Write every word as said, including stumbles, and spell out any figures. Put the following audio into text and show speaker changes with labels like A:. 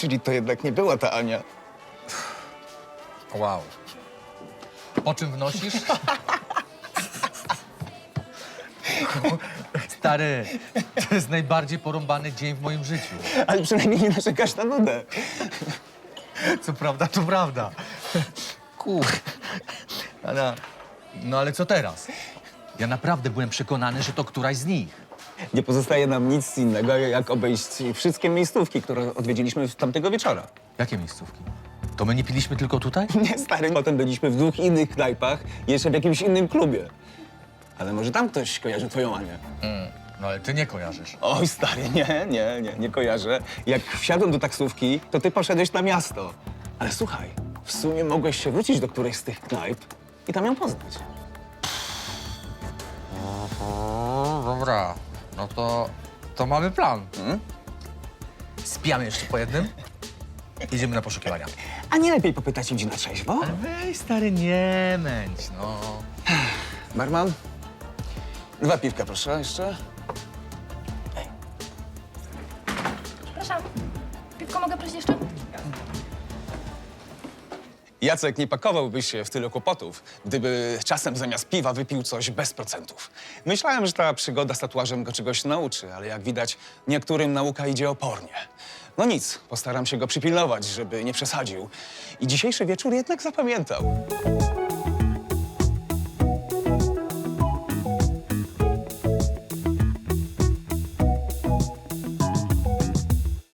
A: Czyli to jednak nie była ta Ania.
B: Wow. Po czym wnosisz? Stary, to jest najbardziej porąbany dzień w moim życiu.
A: Ale przynajmniej nie narzekasz na nudę.
B: Co prawda, to prawda. Kur... Ale... No ale co teraz? Ja naprawdę byłem przekonany, że to któraś z nich.
A: Nie pozostaje nam nic innego, jak obejść wszystkie miejscówki, które odwiedziliśmy tamtego wieczora.
B: Jakie miejscówki? To my nie piliśmy tylko tutaj?
A: Nie, stary, potem byliśmy w dwóch innych knajpach i jeszcze w jakimś innym klubie. Ale może tam ktoś kojarzy twoją Anię?
B: Mm, no ale ty nie kojarzysz.
A: Oj, stary, nie, nie, nie, nie kojarzę. Jak wsiadłem do taksówki, to ty poszedłeś na miasto. Ale słuchaj, w sumie mogłeś się wrócić do którejś z tych knajp i tam ją poznać.
B: O, dobra. No to... to mamy plan.
A: Hmm?
B: Spijamy jeszcze po jednym. Idziemy na poszukiwania.
A: A nie lepiej popytać ludzi na trzeźwo?
B: Ale weź, stary, nie męć, no.
A: Barman, dwa piwka, proszę, jeszcze.
C: Przepraszam, piwko mogę prosić jeszcze?
A: Jacek, nie pakowałbyś się w tyle kłopotów, gdyby czasem zamiast piwa wypił coś bez procentów. Myślałem, że ta przygoda z tatuażem go czegoś nauczy, ale jak widać, niektórym nauka idzie opornie. No nic, postaram się go przypilnować, żeby nie przesadził. I dzisiejszy wieczór jednak zapamiętał.